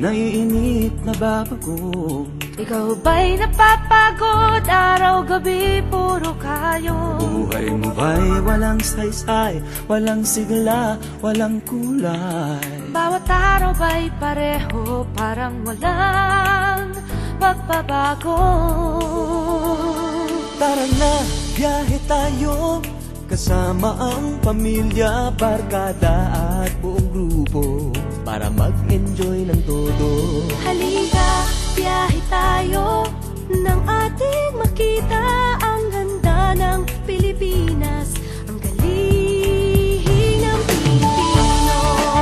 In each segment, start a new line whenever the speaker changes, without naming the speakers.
naiinip, nababago.
Ikaw ba'y napapagod? Araw-gabi, puro kayo.
Buhay mo ba'y walang saysay, walang sigla, walang kulay?
Bawat araw ba'y pareho, parang walang magbabago?
Tara na, biyahe tayo, kasama ang pamilya, barkada at buong grupo, para mag-enjoy ng todo.
Halika, biyahe tayo, nang ating makita ang ganda ng Pilipinas, ang galing ng Pilipino.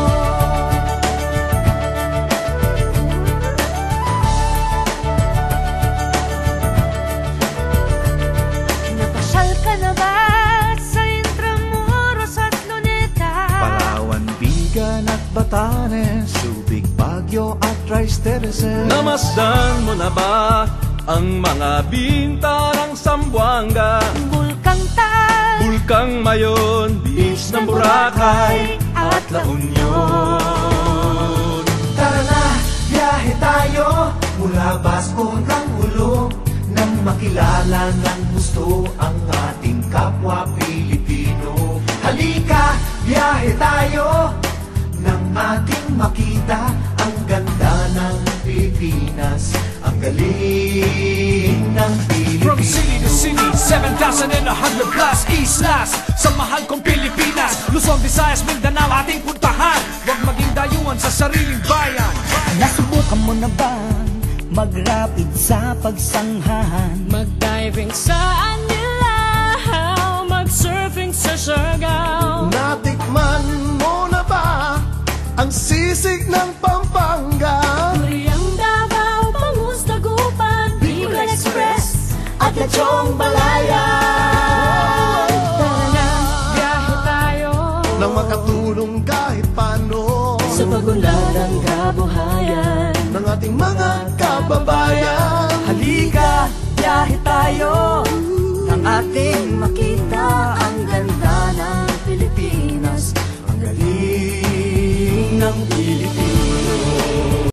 Napasyal ka na ba sa Intramuros at Luneta?
Palawan, Bigan at Batanes, Subic, Baguio at Rice Terraces.
Namasdan mo na ba ang mga bintarang Zamboanga,
Bulkang Tal,
Bulkang Mayon, Beach ng Boracay at La Union?
Tara na, biyahe tayo, mula Basco hanggang Ulo, nang makilala ng gusto ang ating kapwa Pilipino. Halika, biyahe tayo, nang ating makita ang ganda ng Pilipinas, ang galing ng Pilipino.
From city to city, 7,100 plus islas, sa mahal kong Pilipinas, Luzon, Visayas, Mindanao ating puntahan. Huwag maging dayuhan sa sariling bayan.
Nasubukan mo na bang mag-rapid sa pagsanghahan?
Mag-diving sa Anilaw, mag-surfing sa Siargao.
Natikman mo na ba ang sisig ng Pampanga?
Turiang Davao, Bangus, Dagupan, Bicol Express at Lechong Balayan. Tara na, biyahe tayo,
Nang makatulong kahit paano
sa pagunlad ng kabuhayan
ng ating mga kababayan.
Halika, biyahe tayo, nang ating makita